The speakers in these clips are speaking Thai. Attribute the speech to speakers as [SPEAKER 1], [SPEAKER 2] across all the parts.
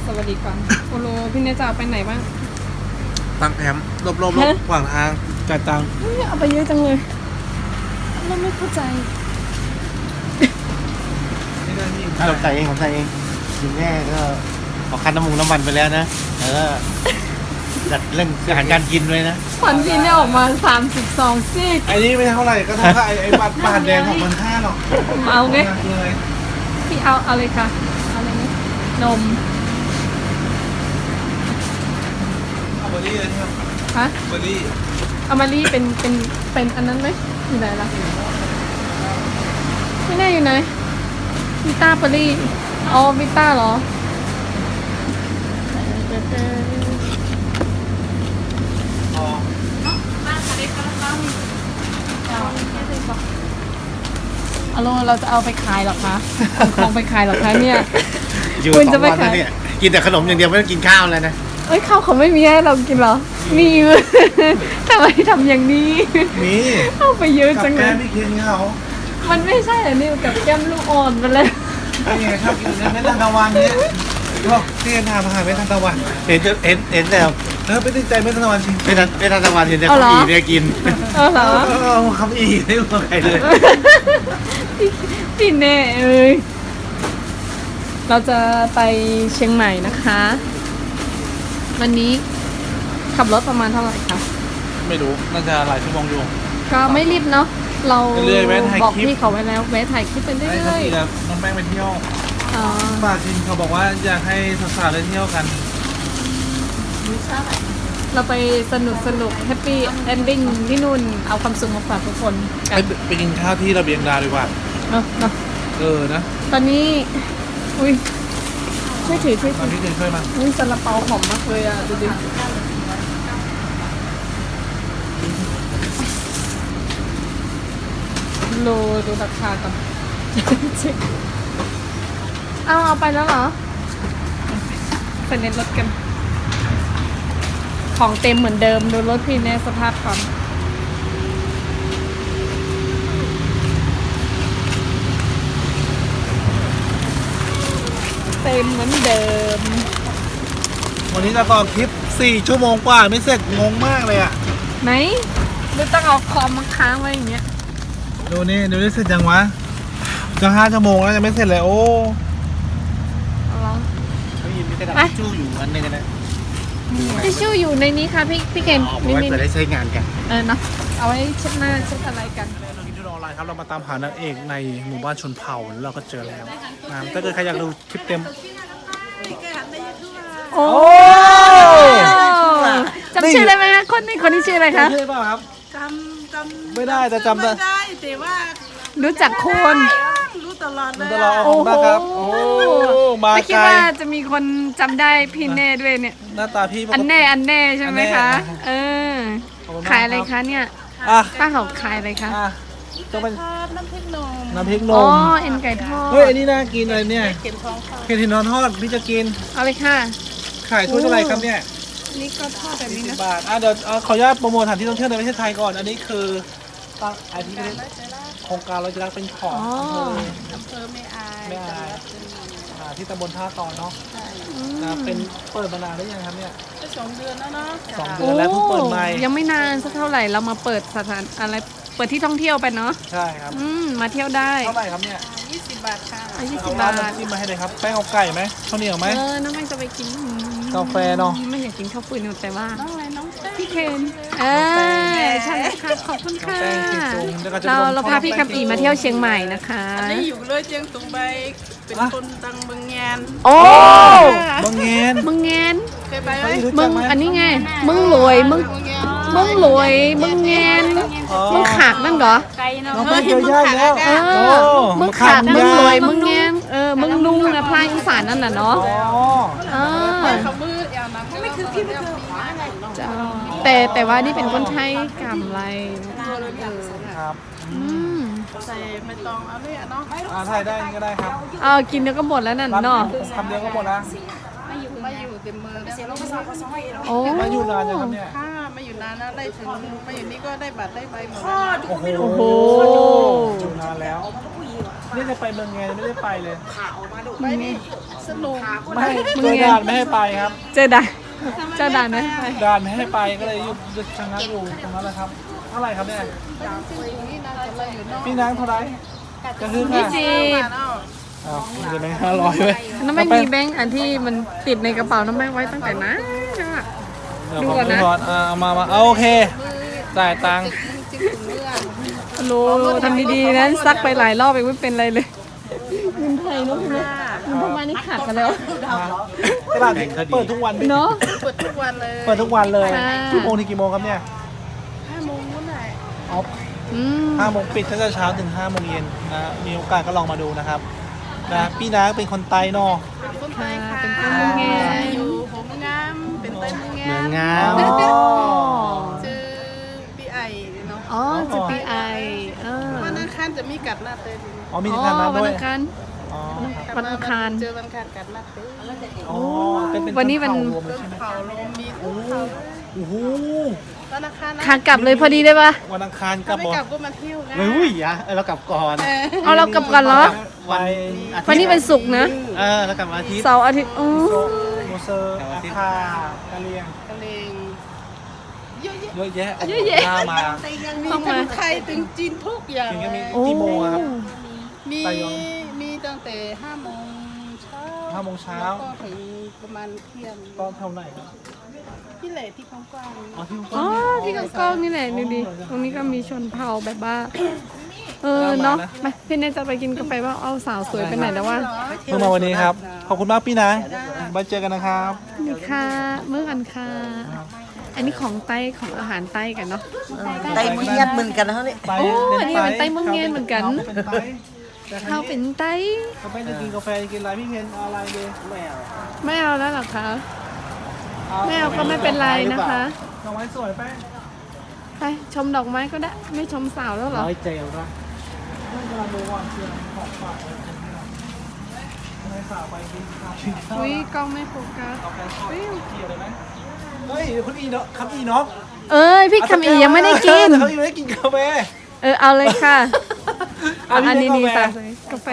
[SPEAKER 1] วัสดีก่อนโอโลพี่เนยจะเอาไปไหนบ้าง
[SPEAKER 2] ตั้งแคมป์รอบขวางทางจ่ายตังค์
[SPEAKER 1] เอาไปเยอะจังเลยเราไม่เข้าใจ
[SPEAKER 2] ผมใส่เองกินแน่ก็ขอคันน้ำมันไปแล้วนะแล้วก็จัดเรื่องอาหารการกินด้วยนะ
[SPEAKER 1] ฝันพี่เนี่ยออกมา32ซี่
[SPEAKER 2] ไอ้นี่ไม่เท่าไหร่ก็เท่ากับไอ้บาทแดง6,500หรอก
[SPEAKER 1] เอาไงพี่เอาเลยค่ะเอาอะไรนี่นม
[SPEAKER 2] เอาเบอร์รี่เลยครับ
[SPEAKER 1] ฮะ
[SPEAKER 2] เบอร์รี่
[SPEAKER 1] เอามารี่เป็นอันนั้นไหมอยู่ไหนล่ะไม่แน่อยู่ไหนวิต้าเบอร์รี่อ๋อวิต้าเหรอเอาเราจะเอาไปขายหรอคะของไปขายหรอคะเนี่ย
[SPEAKER 2] คุณจะไปขายเนี่ยกินแต่ขนมอย่างเดียวไม่ต้องกินข้าวเลยนะ
[SPEAKER 1] เอ้ยข้าวเขาไม่มีให้เรากินเหรอมีทำไมทำอย่างนี้
[SPEAKER 2] มี
[SPEAKER 1] เข้าไปเยอะจังเลย
[SPEAKER 2] กับแก้มไม่กินเขา
[SPEAKER 1] มันไม่ใช่เหรอนี่กับแก้มลูกอ่อนไปเลย
[SPEAKER 2] นี่ไงชอบกินเม็ดทานตะวันเนี่ยก็ที่ทานอาหารเม็ดทานตะวันเห็นแล้วไปติดใจเม็ดทานตะวันจริงเม็ดทานตะวันเห็นแต่คำอีเนี่ยกิน
[SPEAKER 1] เหรอ
[SPEAKER 2] คำอีไม่รู้ใครเลย
[SPEAKER 1] พี่เน่เอ้ยเราจะไปเชียงใหม่นะคะวันนี้ขับรถประมาณเท่าไหร่คะ
[SPEAKER 2] ไม่รู้น่าจะหลายชั่วโมงอยู่
[SPEAKER 1] ก็ไม่รีบเนาะเราบอกพี่เขาไว้แล้วแวะถ่ายคลิปไปเรื่อย
[SPEAKER 2] ๆน้องแป้งไปเที่ยวฝากจินเขาบอกว่าอยากให้สาวๆได้เที่ยวกัน
[SPEAKER 1] เราไปสนุกแฮปปี้เอนดิ้งที่นู่นเอาความสุขมาฝากทุกคน
[SPEAKER 2] ไปกินข้าวที่ระเบียงดาวดีกว่า
[SPEAKER 1] เนาะ
[SPEAKER 2] นะ
[SPEAKER 1] ตอนนี้อุ้ยช่วยถือ
[SPEAKER 2] ตอนนี้ช่วยมา
[SPEAKER 1] อุ้ยซาลาเปาหอมมากเลยอ่ะดูดิโลดูราคาก่อนเอาไปแล้วเหรอไปเน้นรถกันของเต็มเหมือนเดิมดูรถพี่แน่สภาพก่อนเต็มเหมือนเดิม
[SPEAKER 2] วันนี้จะต่อคลิป4 ชั่วโมงกว่าไม่เสร็จงงมากเลยอ่ะ
[SPEAKER 1] ไหนดูต้องเอาคอมมาค้างไว้อย่างเงี้ย
[SPEAKER 2] ดูนี่เสร็จยังวะจะ5 ชั่วโมงแล้วจะไม่เสร็จเลยโอ้เขายินมีกระดาษทิชชู่อยู่อันนึงนะ
[SPEAKER 1] ทิชชู่อยู่ในนี้ค่ะพี่เคน
[SPEAKER 2] นี่เปิดได้ใช้งานกัน
[SPEAKER 1] เนาะเอาไว้เช็ดหน้าเช็ดอะไรกัน
[SPEAKER 2] เรากินที่ออนไลน์ครับเรามาตามหานางเอกในหมู่บ้านชนเผ่าแล้วเราก็เจอแล้วถ้าเกิดใครอยากดูคลิปเต็ม
[SPEAKER 1] โอ้จำชื่อได้ไหมคะคนนี้ชื่ออะไรคะ
[SPEAKER 2] ชื่อเปล่าครับ
[SPEAKER 3] จำ
[SPEAKER 2] ไม่ได้แต่จำได้
[SPEAKER 3] แต่ว่า
[SPEAKER 1] รู้จักคน
[SPEAKER 3] รู้ตลอดเลย
[SPEAKER 2] โอ้โหมา
[SPEAKER 1] ไม่คิดว่าจะมีคนจำได้พี่เน่ด้วยเนี่ย
[SPEAKER 2] หน้าตาพี่
[SPEAKER 1] อันแน่ใช่ไหมคะขายอะไรคะเนี่ยป้าเขาขายอะไรคะ
[SPEAKER 3] ต้องเป็นน้ำพริกนม
[SPEAKER 1] อ๋อเอ็นไก่ทอด
[SPEAKER 2] เฮ้ยอันนี้น่ากินอะไรเนี่ยเข็มทองทอดพี่จะกิน
[SPEAKER 1] เอาเลยค่ะ
[SPEAKER 2] ขายถ้วยเท่าไหร่ครับเนี่ย
[SPEAKER 1] นี่ก็ทอดแบบนี้นะ
[SPEAKER 2] บาทเดี๋ยวขออนุญาตโปรโมทสถานที่ท่องเที่ยวในประเทศไทยก่อนอันนี้คือตั้งไอที่โครงการเราจะรักเป็นของ
[SPEAKER 3] อำเภอไม่อาย
[SPEAKER 2] ที่ตำบลท่าตอนเนาะเป็นเปิดมานานได้ยังครับเนี่ย
[SPEAKER 3] 2 เดือนแล้วเนาะ
[SPEAKER 2] 2 เดือนแล้วเพิ่งเปิดใหม่
[SPEAKER 1] ยังไม่นานสักเท่าไหร่เรามาเปิดสถานอะไรเปิดที่ท่องเที่ยวไปเนาะ
[SPEAKER 2] ใช่ครับ
[SPEAKER 1] มาเที่ยวได้
[SPEAKER 2] เท่าไหร่ครับเนี่ย
[SPEAKER 3] 20 บาทค่ะ
[SPEAKER 1] 20 บาท
[SPEAKER 2] จิ้มมาให้เลยครับแป้งเอาไก่ไหมข้าวเหนียวไหม
[SPEAKER 1] น้องแป้งจะไปกิน
[SPEAKER 2] กาแฟเนาะ
[SPEAKER 1] ไม่อยากกินข้าวปุ้ยแต่ว่า
[SPEAKER 3] น้อง
[SPEAKER 1] พี่เคนใช่ค่ะขอบคุณค่ะเราพาพี่คำอีมาเที่ยวเชียงใหม่นะคะ
[SPEAKER 3] อันนี้อยู่เลยเชียงตุงใบเป็นคนตังเมืองแงน
[SPEAKER 1] โอ้
[SPEAKER 2] เมืองแงน
[SPEAKER 3] เคยไปไหม
[SPEAKER 1] มึงอันนี้ไงมึงรวยมึงแงนมึงขากนั่นเหรอ
[SPEAKER 2] น้องไปเที่ยวยากแล้ว
[SPEAKER 1] มึงขากมึงรวยมึงแงนมึงนุ่งนะพลายอีสานนั่นน่ะเนาะ
[SPEAKER 3] เขามืดอย่างนั้นไม่คือพี่ไม่เคย
[SPEAKER 1] แต่ว่านี่เป็นคนไทยกำไร
[SPEAKER 2] ครับ
[SPEAKER 3] ใส่ไม่ต้องเอาเลยเนาะ
[SPEAKER 2] ใส่ได้ก็ได้ครับ
[SPEAKER 1] กินเดี๋ยวก็หมดแล้วนั่นเนาะ
[SPEAKER 2] คำเดียวก็หมดแล้ว
[SPEAKER 3] มาอยู่เต็มมือ
[SPEAKER 2] มาอยู่นานยังครับเนี่ย
[SPEAKER 3] มาอยู่นานนะได้ถึงมาอยู่นี่ก็ได้บัตรได้ใบหมด
[SPEAKER 2] โอ้โหอยู่นานแล้วนี่จะไปเมืองไงไม่ได้ไปเลย
[SPEAKER 3] ไปนี่สนุก
[SPEAKER 2] ไม่เจอด่านไม่ให้ไปครับ
[SPEAKER 1] เจอด่านเจอด่านนะไป
[SPEAKER 2] ด่านไม่ให้ไปก็เลยหยุดชะงักอยู่ตรงนั้นแหละครับเท่าไหร่ครับเนี่ย
[SPEAKER 3] นี่น่าจะเลยอยู่นอก
[SPEAKER 2] พี่นางเท่าไหร่กระหึ่ง
[SPEAKER 1] ยี่
[SPEAKER 2] อ่ะ
[SPEAKER 1] สิบ
[SPEAKER 2] อ้าวมีไหม500ไหม
[SPEAKER 1] น้ำแม่งมีแบงค์อันที่มันติดในกระเป๋าน้ำแม่งไว้ตั้งแต่นะ ดูก่อนนะ
[SPEAKER 2] เอามาโอเคจ่ายตังค์
[SPEAKER 3] จิ้มถึงเมื่อ
[SPEAKER 1] โลทำดีๆนะซักไปหลายรอบเองไม่เป็นไรเลยเงินไทยเนาะพี่เนาะเงินพม่านี่ขาดกันแล้ว
[SPEAKER 2] ตลาดเปิดทุกวันไหม
[SPEAKER 1] เนาะ
[SPEAKER 3] เปิดทุกวันเลย
[SPEAKER 2] เปิดทุกวันเลย
[SPEAKER 1] ค่ะ
[SPEAKER 2] กี่โมงถึงกี่โมงครับเนี่ย
[SPEAKER 3] 5 โมงเมื่อไหร่
[SPEAKER 2] อ๋อ
[SPEAKER 1] อืม
[SPEAKER 2] 5 โมงปิดตั้งแต่เช้าถึง5 โมงเย็นนะมีโอกาสก็ลองมาดูนะครับนะพี่นางเป็นคนไต้เนอะ
[SPEAKER 3] เป็นคนไทยค่ะ
[SPEAKER 1] เป็นคนเมืองแง
[SPEAKER 3] อยู่ผมงามเป็นไต้เมืองงาม
[SPEAKER 2] งาม
[SPEAKER 3] ชื่อพี่ไอเนาะ
[SPEAKER 1] อ๋อจะปีไอเออ
[SPEAKER 3] วันอังคารจะมีกัดลาเต้น
[SPEAKER 2] อ๋อมีทางนั้น
[SPEAKER 1] วัน
[SPEAKER 2] ด้วย
[SPEAKER 1] อังคาร
[SPEAKER 2] อ๋อ
[SPEAKER 1] วันอังคาร
[SPEAKER 3] เจอวันอังคารกัดลาเต้น
[SPEAKER 2] อ๋อเป็น
[SPEAKER 1] วันนี้วัน
[SPEAKER 2] ชเผ่ารวมเลย
[SPEAKER 3] ต้น
[SPEAKER 2] ใช่ไหม
[SPEAKER 3] เผาลมมีทุกเผา
[SPEAKER 2] โอ้โห
[SPEAKER 3] วันอังคารนะ
[SPEAKER 1] ขากลับเลยพอดีได้ปะ
[SPEAKER 2] วันอังคารกลั
[SPEAKER 3] ถ้า
[SPEAKER 2] บ
[SPEAKER 3] ไม่
[SPEAKER 2] บอก
[SPEAKER 3] กลับก็มาเที่ยวนะ
[SPEAKER 2] เฮ้ยอ่ะเรากลับก่อน
[SPEAKER 1] เอาเรากลับกันเหรอ
[SPEAKER 2] วันอาทิตย์
[SPEAKER 1] วันนี้เป็นศุกร์นะ
[SPEAKER 2] เรากลับวันอาทิตย์
[SPEAKER 1] เสาร์อาทิตย์อ๋อ
[SPEAKER 2] โมเซอร์อาคากะเลียง
[SPEAKER 3] ทะเลงเยอะแยะ
[SPEAKER 2] เยอะแยะ
[SPEAKER 1] เยอะแยะ
[SPEAKER 2] หน้ามา
[SPEAKER 3] มี
[SPEAKER 1] ต้อง
[SPEAKER 3] ทั้
[SPEAKER 1] มา
[SPEAKER 3] งไทยถึงจีนทุกอย่าง
[SPEAKER 2] จริงก็มี
[SPEAKER 1] โอ้
[SPEAKER 2] กี่โมงอะครับ
[SPEAKER 3] มี
[SPEAKER 2] ไต้หวัน
[SPEAKER 3] มีตั้งแต่5 โมงเช้า
[SPEAKER 2] 5 โมงเช้า
[SPEAKER 3] แล้วก็ถึงประมาณเที่ยง
[SPEAKER 2] ตอนเท่าไหร่ครับ
[SPEAKER 3] ที่แหล่ที่กว้าง
[SPEAKER 2] อ๋อที่
[SPEAKER 1] อ๋อที่กองๆนี่แหละดูดิตรงนี้ก็มีชนเผ่าแบบว่า เออเนาะไปพี่เนยจะไปกินกาแฟว่าเอาสาวสวยไปไหนแล้ววะ
[SPEAKER 2] เพิ่งมาวันนี้ครับ ขอบคุณมากพี่นะไว้เจอกันนะครับ
[SPEAKER 1] นี่ค่ะเมื่อกันค่ะ อันนี้ของไต้ของอาหารไต้กันเนาะ
[SPEAKER 4] ไต้เมียดเหมือนกันนะเขาเนี่ย
[SPEAKER 2] ไป
[SPEAKER 1] โอ้
[SPEAKER 2] เป็น
[SPEAKER 1] อันนี้เป็นไต้เมืองเงียนเหมือนกัน
[SPEAKER 2] เขาเป็นไต้
[SPEAKER 1] เขาเป็นไต้
[SPEAKER 2] เขาไปจะกินกาแฟจะกินอะไรพี่เพนเอาอะไรดีไม่เอา
[SPEAKER 1] ไม่เอาแล้วเหรอคะไม่เอาก็ไม่เป็นไรนะคะ
[SPEAKER 2] ดอกไม้สวยแป้ง
[SPEAKER 1] ไปชมดอกไม้ก็ได้ไม่ชมสาวแล้วเหรอ
[SPEAKER 2] ร้อยเจลนะเมื่อกำลังดูว่าเชื่อของฝากอะไรกันที่เราไม่ฝากไปกินข้าว
[SPEAKER 1] อุ้ยกล้องไม่โฟกัส
[SPEAKER 2] กาแฟทอดเกี่ยวเลยไหมเฮ้ยคุณอีเนาะครับอีเนาะ
[SPEAKER 1] เอ้ยพี่คำอียังไม่ได้กิน
[SPEAKER 2] เขายังไม่ได้กินกาแฟ
[SPEAKER 1] เอาเลยค่ะ
[SPEAKER 2] อันนี้
[SPEAKER 1] อันนี้นี่
[SPEAKER 2] กาแฟ
[SPEAKER 1] ตากาแฟ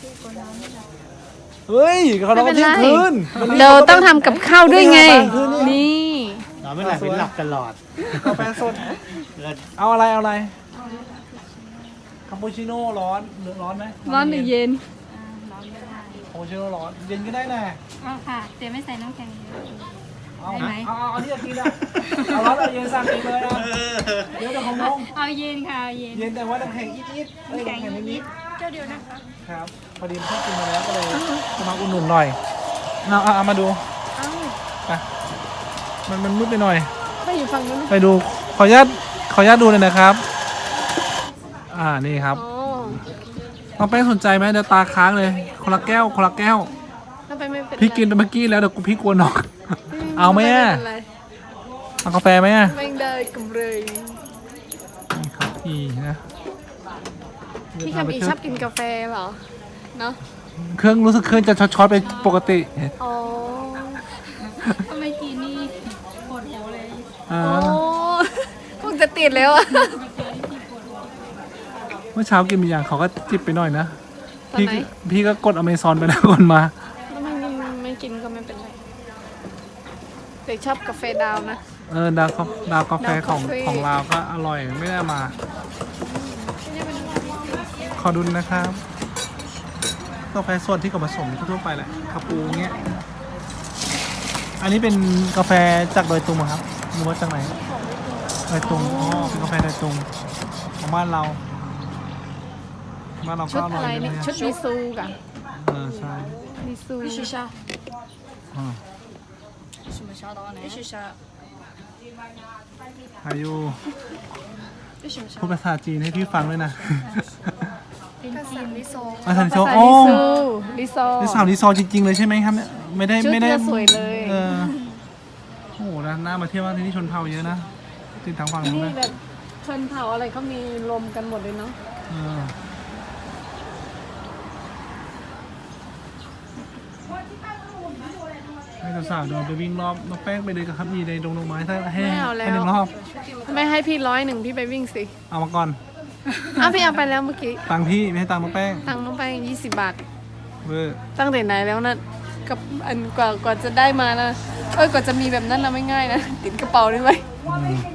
[SPEAKER 2] เฮ้ยเขา
[SPEAKER 1] ไม่
[SPEAKER 2] เรา
[SPEAKER 1] เป็น
[SPEAKER 2] เที่ย
[SPEAKER 1] ไรง
[SPEAKER 2] คืน
[SPEAKER 1] เราต้องทำกับข้าวด้วยไง นี่
[SPEAKER 5] เราไม่หลับเป็นหลับตลอด
[SPEAKER 2] กาแฟสดเอาอะไรเอาอะไรคาปูชิโน่ร้อนหรือร้อนไหม
[SPEAKER 1] ร้อนหรือเย็น
[SPEAKER 2] คาปูชิโน่ร้อนเย็นก็ได้นะ
[SPEAKER 6] เอาค่ะแต่ไม่ใส่น้ำแข็งเยอะ
[SPEAKER 2] เอา
[SPEAKER 6] ได้ไหม
[SPEAKER 2] เอาที่จะกินอะเอาร้อนเอาเย็นสั่งเองเลยนะเดี๋ยวของน้อง
[SPEAKER 6] เอาเย็นค่ะเอาเย็น
[SPEAKER 2] เย็นแต่ว่าน้ำแข็งนิดๆน้ำแข็งนิด
[SPEAKER 6] เจ้าเดียวนะคะ
[SPEAKER 2] ๆครับพอดีเพิ่งกินมาแล้วก็เลยจะมาอุ่นหนุนหน่อยเอามาดูไปมันมืดไปหน่อย
[SPEAKER 1] ไปอยู่ฝั่งนู้น
[SPEAKER 2] ไปดูขออนุญาตดูเลยนะครับ นี่ครับ
[SPEAKER 1] อ๋อ
[SPEAKER 2] น้องแป้งสนใจไหมเดี๋ยวตาค้างเลยคนละแก้วคนละแก้ว
[SPEAKER 1] ถ้าไปไม่เป็นไร
[SPEAKER 2] พี่กินเมื่อกี้แล้วเดี๋ยวพี่กลัวน็อกเอาไหมอ่ะ
[SPEAKER 1] เป็นไร
[SPEAKER 2] เอากาแฟไหมอ่ะ
[SPEAKER 1] ไม่ได้กำเลย
[SPEAKER 2] นี่ครับพี่นะ
[SPEAKER 1] พี่คำอีชอบกินกาแฟเหรอ เนาะ
[SPEAKER 2] เครื่องรู้สึกเครื่องจะช็อตๆไปปกติ
[SPEAKER 1] อ๋อ
[SPEAKER 6] ทำไมกินนี่ปวดหัวเลย
[SPEAKER 2] อ่า
[SPEAKER 1] โอ้คงจะติดแล้วอะ
[SPEAKER 2] เมื่อเช้ากินมีอย่างเขาก็จิบไปหน่อยนะ
[SPEAKER 1] ตอนไหน
[SPEAKER 2] พี่ก็กดอเมซอนไปแล้วก่อนมา
[SPEAKER 1] แล้วไม่กินก็ไม่เป็นไรแต่ชอบกาแฟดาวนะ
[SPEAKER 2] ดาวกาแฟของ
[SPEAKER 1] ดาวกาแฟ
[SPEAKER 2] ของเราก็อร่อยไม่ได้มา ขอดูนะครับกาแฟสดที่กับผสมทั่วๆไปแหละคาปูเงี้ยอันนี้เป็นกาแฟจากดอยตุงเหรอครับหรือว่าจากไหนดอยตุงอ๋อเป็นกาแฟดอยตุงของบ้านเราก็
[SPEAKER 1] ชุด
[SPEAKER 2] อร่
[SPEAKER 1] อะ
[SPEAKER 2] อย
[SPEAKER 1] ไร
[SPEAKER 2] เลย
[SPEAKER 1] นี่
[SPEAKER 2] นะ
[SPEAKER 1] ชุดมิซูกะ
[SPEAKER 2] ใช่
[SPEAKER 1] มิซู
[SPEAKER 2] อ่า
[SPEAKER 6] 什么小刀呢？必须是
[SPEAKER 2] อายุพูดภาษาจีนให้พี่ฟังด้วยนะ
[SPEAKER 6] เป็นจีนลิโซ
[SPEAKER 2] ภาษา
[SPEAKER 1] ภา
[SPEAKER 2] โช
[SPEAKER 1] ษา
[SPEAKER 2] โอ้
[SPEAKER 1] ลิโซ
[SPEAKER 2] นี่สาวรีซอร์จริงๆเลยใช่ไหมครับเนี่ยไม่ได้
[SPEAKER 1] ชุด
[SPEAKER 2] ไม่ได้
[SPEAKER 1] เนี่ยสวยเลย
[SPEAKER 2] โอ้โหน่ามาเที่ยวมากที่นี่ชนเผ่าเยอะนะติดทางฝั่งนู้น
[SPEAKER 1] นี่
[SPEAKER 2] นะ
[SPEAKER 1] แบบชนเผ่าอะไรเขามีรวมกันหมดเลยเนาะ
[SPEAKER 2] เออให้สาวๆเดินไปวิ่งรอบน้องแป้งไปเลยกับครับมีในดงดอกไม้ถ้าให้
[SPEAKER 1] ไม่เอาแล้
[SPEAKER 2] ให้หนึ่
[SPEAKER 1] ว
[SPEAKER 2] งรอบ
[SPEAKER 1] ไม่ให้พี่100พี่ไปวิ่งสิ
[SPEAKER 2] เอามาก่อน
[SPEAKER 1] อ้าวพี่เอาไปแล้วเมื่อกี้
[SPEAKER 2] ตังค์พี่ไม่ให้ตังค์น้องแป้ง
[SPEAKER 1] ตังค์น้องไป20 บาท
[SPEAKER 2] เวอร์
[SPEAKER 1] ตั้งแต่ไหนแล้วนะกับอันกว่าจะได้มานะกว่าจะมีแบบนั้นนะไม่ง่ายนะติดกระเป๋าได้ไหม
[SPEAKER 2] อืม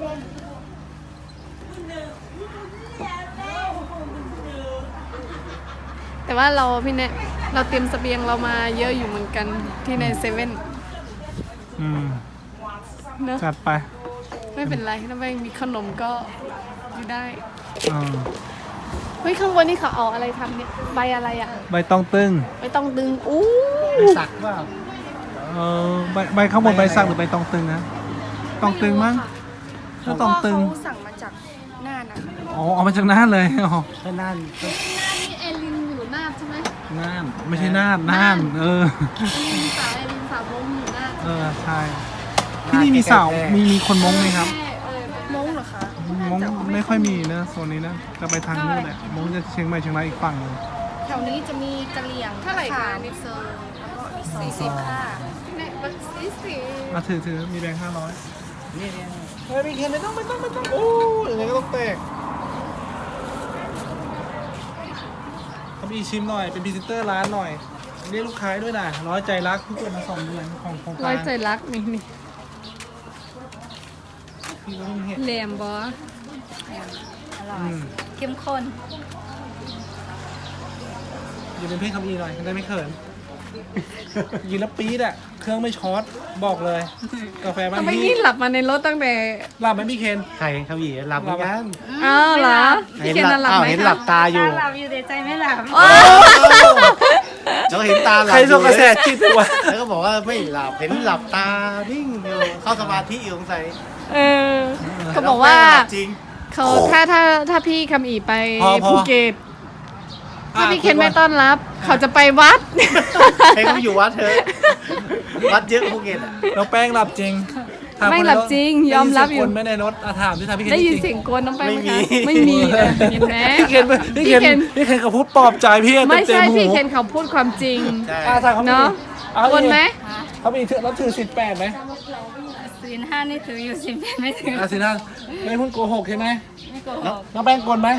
[SPEAKER 1] แต่ว่าเราพี่เนี่ยเราเตรียมเสบียงเรามาเยอะอยู่เหมือนกันที่ในเซเว่น
[SPEAKER 2] อืม
[SPEAKER 1] เนอะ
[SPEAKER 2] จัดไป
[SPEAKER 1] ไม่เป็นไรถ้าไม่มีขนมก็อยู่ได้
[SPEAKER 2] อ่า
[SPEAKER 1] เฮ้ยข้างบนนี่เขาเอาอะไรทำเนี่ยใบอะไรอ่ะ
[SPEAKER 2] ใบตองตึง
[SPEAKER 1] ไม่ต้องดึงอู้
[SPEAKER 5] สักว่า
[SPEAKER 2] ใบข้างบนใบสักหรือใบตองตึงนะตองตึงมั้งถ้าตองตึง
[SPEAKER 3] เขาสั่งมาจากน่านนะคะ
[SPEAKER 2] อ๋อเอามาจากน่านเลยอ๋อ
[SPEAKER 5] ก็นั่นก็
[SPEAKER 1] นี่เอลินอยู่นาบใช่ไหม
[SPEAKER 2] น่านไม่ใช่น่านน่าน เออ
[SPEAKER 1] เอลินสาววงอยู่นาบ
[SPEAKER 2] เออใช่ที่นี่มีสาวมีคนมงไหมครับ
[SPEAKER 3] มงเหรอคะ
[SPEAKER 2] มงไม่ค่อยมีนะโซนนี้นะจะไปทางนู้นแหละมงจะเชียงใหม่เชียงรายอีกฝั่งหนึง
[SPEAKER 3] แถวนี้จะมีกะเหรี่ยง
[SPEAKER 1] เท่าไหร่คะ
[SPEAKER 3] มิเซอร์แล้วก็มี40ค่ะ
[SPEAKER 1] เนี่ยมันสี
[SPEAKER 2] มาถือมีแบงค์500
[SPEAKER 5] นี่เนี่ย
[SPEAKER 2] เฮ้ยมีเคนไม่ต้องโอ้ยยังไงก็ต้องแตกเขามีชิมหน่อยเป็นพรีเซนเตอร์ร้านหน่อยเรียกลูกค้าด้วยนะร้อยใจรักเพิ่งเปิดมา2 เดือนของโครง
[SPEAKER 1] ร้
[SPEAKER 2] กา
[SPEAKER 1] อย
[SPEAKER 2] ร
[SPEAKER 1] ใจรักนี่
[SPEAKER 2] พี่ก็เพิ่งเห็น
[SPEAKER 1] แหลมบอ
[SPEAKER 6] อร่อ
[SPEAKER 2] อื
[SPEAKER 6] ย
[SPEAKER 2] ม
[SPEAKER 6] เข้มข้น
[SPEAKER 2] ยืนเป็นเพื่อนคำอีหน่อยจะได้ไม่เขินยืนแล้วปี๊ดอ่ะเครื่องไม่ช็อตบอกเลยกาแฟบ้าน
[SPEAKER 1] ทำไม
[SPEAKER 2] พี่
[SPEAKER 1] นี่หลับมาในรถตั้งแต่
[SPEAKER 2] หลับไหมพี่เคน
[SPEAKER 5] ใครเขาหยีหลับเหมือนกัน
[SPEAKER 1] อ้าวเหรอพี่เคนนอนหลับไหม
[SPEAKER 5] เห็น
[SPEAKER 1] คะ
[SPEAKER 5] หลับตาอยู่
[SPEAKER 6] หลับอยู่แต่ใจไม่หลับ
[SPEAKER 5] แล้วเห็นตาหลับ
[SPEAKER 2] ใคร
[SPEAKER 5] อ
[SPEAKER 2] ส่
[SPEAKER 5] ยู่
[SPEAKER 2] งกระแสจิตวะ
[SPEAKER 5] แล้วก็บอกว่าไม่หลับเห็นหลับตานิ่งอยู่เข้าสมาธิอยู่สงสัย
[SPEAKER 1] เออเขาบอกว่า
[SPEAKER 5] แล้วแป้งหลับจริง
[SPEAKER 1] เขาถ้าพี่คำอีไปภูเก็ตถ้าพี่เคนไม่ต้อนรับ เขาจะไปวัด
[SPEAKER 5] ให้เขาอยู่วัดเถอะวัดเยอะภูเก็ตอะ
[SPEAKER 2] น้องแป้งหลับจริงถา
[SPEAKER 1] ไม่
[SPEAKER 2] คน
[SPEAKER 1] หลับจริงยอมรับอยู่
[SPEAKER 2] ได้นเสีงคนไม่ในรถถามที่ถามพี่เคน
[SPEAKER 1] ได้ยิน
[SPEAKER 2] จริง
[SPEAKER 1] เสียงกวนน้องไปไหมคะไม่มีเห็นไหม
[SPEAKER 2] พี่เคนเขาพูดปลอบใจพี่
[SPEAKER 1] ไม่
[SPEAKER 2] เต็
[SPEAKER 1] ใช่
[SPEAKER 2] มๆหู
[SPEAKER 1] พี่เคนเขาพูดความจริง
[SPEAKER 5] ใช่
[SPEAKER 2] ถามเขา
[SPEAKER 1] เนาะ
[SPEAKER 2] เอา
[SPEAKER 1] กวนไหม
[SPEAKER 2] เขามีรับถือ18ไหม
[SPEAKER 6] ศีลห้านี่ถืออยู่ศีลแปดไม่ถือ
[SPEAKER 2] สินะไม่พูดโกหกใช่ไหม
[SPEAKER 6] ไม่โกหก
[SPEAKER 2] น้องแป้งกลไหม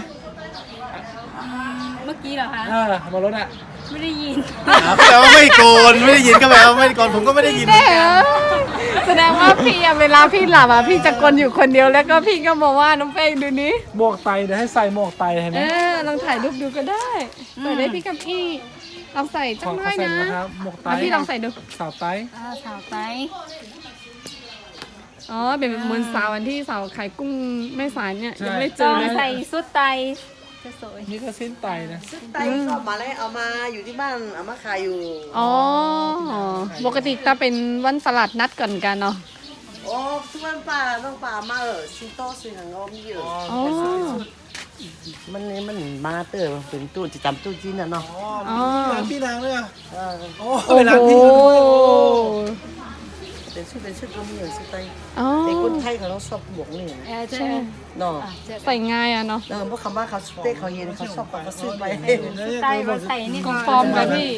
[SPEAKER 6] เมื่อกี้เหรอคะ
[SPEAKER 2] บนรถอ่ะ
[SPEAKER 6] ไม่ได้ยิน
[SPEAKER 5] แปลว่าไม่โกนไม่ได้ยินก็แปลว่าไม่โกนผมก็ไม่ได้ยินเหมือนกัน
[SPEAKER 1] แสดงว่าพี่อะเวลาพี่หลับอะพี่จะกลนอยู่คนเดียวแล้วก็พี่ก็บอกว่าน้องเป้งดูนี้
[SPEAKER 2] หมวกไตเดี๋ยวให้ใส่หมวกไตเห็นไหม
[SPEAKER 1] ลองถ่ายรูปดูก็ได้ใส่ได้พี่กับพี่ลองใส่จั
[SPEAKER 2] ของ
[SPEAKER 1] งหน่
[SPEAKER 2] เขา
[SPEAKER 1] อย
[SPEAKER 2] ใส่
[SPEAKER 1] นะ
[SPEAKER 2] นะครับหมวกไต
[SPEAKER 1] พี่ลองใส่ดู
[SPEAKER 2] สาวไต
[SPEAKER 6] สาวไต
[SPEAKER 1] อ๋อเป็นเหมือนสาวอันที่สาวขายกุ้งแม่สายเนี่ยยังไม่เจ
[SPEAKER 6] ต้
[SPEAKER 1] อ
[SPEAKER 6] อง
[SPEAKER 1] เลย
[SPEAKER 6] ใส่สุดไตจะสวย
[SPEAKER 2] นี่ก็สิ้นไตนะ
[SPEAKER 4] ไตก็มาแล้วเอามาอยู่ที่บ้านเอามาขายอยู่
[SPEAKER 1] อ๋อปกติจะเป็นวันตลาดนัดก่อนกันเนาะ
[SPEAKER 4] โอ้ทุกวันป่าต้องป่ามาซิโต้สิหังอมอยู่
[SPEAKER 1] อ๋อ
[SPEAKER 4] มันมาเตอร์เป็นตู้จะจำตู้จีนน่ะเนาะ
[SPEAKER 1] อ๋อ
[SPEAKER 2] ร้านพี่นางเลยอ่ะ
[SPEAKER 4] เออ
[SPEAKER 2] โอ้
[SPEAKER 1] โอ้
[SPEAKER 2] เป็นร้าน
[SPEAKER 1] โห
[SPEAKER 2] พี่เขาด้วยโอ้
[SPEAKER 4] เป็นชุดก็มีอยู่ชุดไต
[SPEAKER 1] อ๋อ
[SPEAKER 4] แต่คนไทยเขาต้องชอบหมวกนี่
[SPEAKER 6] จะ
[SPEAKER 4] เนาะ
[SPEAKER 1] ใส่ง่ายอะเนาะ
[SPEAKER 4] เพราะคำว่าเขาเต้เขาเย็นเขาชอบเขาก็ซื้อไป
[SPEAKER 6] ไตเราใส่นี่
[SPEAKER 1] ของปลอมเลยพี่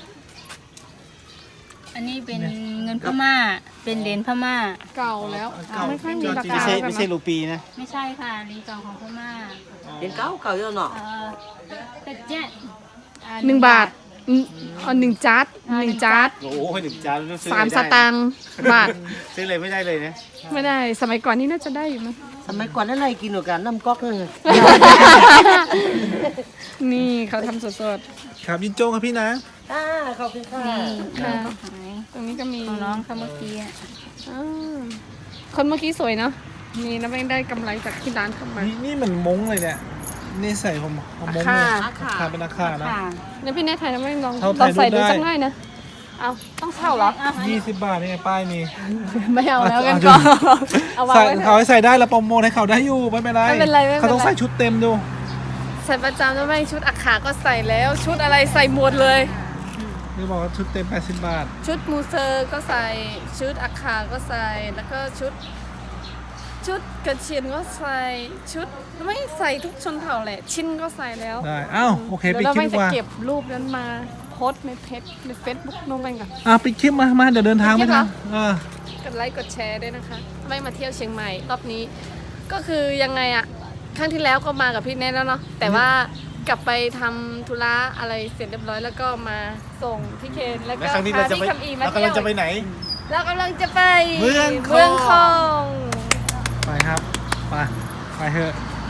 [SPEAKER 6] อันนี้เป็นเงินพม่า เป็นเหรียญพม่า
[SPEAKER 1] เก่าแล้วไม่ค่อยมีรา
[SPEAKER 5] ไม่
[SPEAKER 1] คา
[SPEAKER 5] ใช่
[SPEAKER 1] กัน
[SPEAKER 5] ไม่ใช่
[SPEAKER 1] นะ
[SPEAKER 5] รูปีนะ
[SPEAKER 6] ไม่ใช่ค่ะเหรียญเก่าของพม่า
[SPEAKER 4] เป็นเก่าเยอะเนาะ
[SPEAKER 6] แต่เจ๊
[SPEAKER 1] 1 บาทอ๋อ1จาร์ด1จาร์ด
[SPEAKER 5] โอ้โหหนึ่งจานซื้อ
[SPEAKER 1] 3 สตางค์บาท
[SPEAKER 5] ซื้อเลยไม่ได้เลยนะ
[SPEAKER 1] ไม่ได้สมัยก่อนนี่น่าจะได้อยู่มั้ง
[SPEAKER 4] สมัยก่อนนั่นอะไรกินหนูกันน้ำก๊อกเลย
[SPEAKER 1] นี่เขาทำสด
[SPEAKER 2] ครับยินโจงครับพี่นะ
[SPEAKER 4] ขอบคุณค่ะ
[SPEAKER 6] นี่
[SPEAKER 1] ๆค่ะ
[SPEAKER 6] ก็หาย
[SPEAKER 1] ตรงนี้ก็มี
[SPEAKER 6] ของน้องค่ะเมื่อกี้
[SPEAKER 1] อ่าคนเมื่อกี้สวยเนาะนี่น้ำแป้งได้กำไรจากที่ร้านเข้ามา
[SPEAKER 2] นี่เหมือนมงเลยเนี่ยนี่ใส่ผมมง
[SPEAKER 1] ค่ะ
[SPEAKER 2] เลยขาเป็นอาคานะ
[SPEAKER 6] ค่ะ
[SPEAKER 1] แล้วพี่แน่ถ่ายน้ำแป้งลอง
[SPEAKER 2] เขา
[SPEAKER 1] ลองใส่ดู
[SPEAKER 2] ถ่ายรูปได้
[SPEAKER 1] สักหน่อยนะเอาต้องเช่าเหรอ
[SPEAKER 2] 20 บาทนี่ไงป้ายมี
[SPEAKER 1] ไม่เอาแล้วกันก่อนเอาวาง
[SPEAKER 2] ใส่
[SPEAKER 1] ไว้เถ
[SPEAKER 2] เขา
[SPEAKER 1] อะ
[SPEAKER 2] ให้ใส่ได้แล้วโปรโมทให้เขาได้อยู่ไม่เป็นไร
[SPEAKER 1] ไม่เป็นไรไม่เป็นไร
[SPEAKER 2] เขาต้องใส่ชุดเต็มดู
[SPEAKER 1] ใส่ประจำน้ำแป้งชุดอาขาก็ใส่แล้วชุดอะไรใส่หมดเลย
[SPEAKER 2] นี่บอกว่าชุดเต็ม80 บาท
[SPEAKER 1] ชุดมูเซอร์ก็ใส่ชุดอาคาก็ใส่แล้วก็ชุดกระเชียนก็ใส่ชุดไม่ใส่ทุกชนเผ่าแหละชิ้นก็ใส่แล้ว
[SPEAKER 2] ได้อ้าวโอเค
[SPEAKER 1] เดี๋
[SPEAKER 2] ปิ
[SPEAKER 1] ย
[SPEAKER 2] ด
[SPEAKER 1] วเรา
[SPEAKER 2] คลิป
[SPEAKER 1] ไม่
[SPEAKER 2] ดี
[SPEAKER 1] จะ
[SPEAKER 2] กว่า
[SPEAKER 1] เก็บรูปนั้นมาโพสต์ในเฟซบุ๊กน้องแป้งก่อน
[SPEAKER 2] ปิดคลิปมาเดี๋ยวเดินทาง
[SPEAKER 1] ปิ
[SPEAKER 2] ไม่
[SPEAKER 1] ดคลิป
[SPEAKER 2] ทัน
[SPEAKER 1] เหรอ กดไลค์กดแชร์ด้วยนะคะไม่มาเที่ยวเชียงใหม่รอบนี้ ก็คือยังไงอะครั้งที่แล้วก็มากับพี่เนทแล้วเนาะแต่ว่ากลับไปทำธุระอะไรเสร็จเรียบร้อยแล้วก็มาส่งพี่เคนแล้วก็
[SPEAKER 5] และครั้งนี้เรา
[SPEAKER 1] พา
[SPEAKER 5] จะ
[SPEAKER 1] พี่
[SPEAKER 5] ไป
[SPEAKER 1] คำอีมา
[SPEAKER 5] เรากำ
[SPEAKER 1] เที่
[SPEAKER 5] ลั
[SPEAKER 1] ย
[SPEAKER 5] ง
[SPEAKER 1] ว
[SPEAKER 5] จะไปไหน
[SPEAKER 1] เรากำลังจะไป
[SPEAKER 5] เมืองคอง
[SPEAKER 1] เมืองคอง
[SPEAKER 2] ไปครับ ไปเถอะ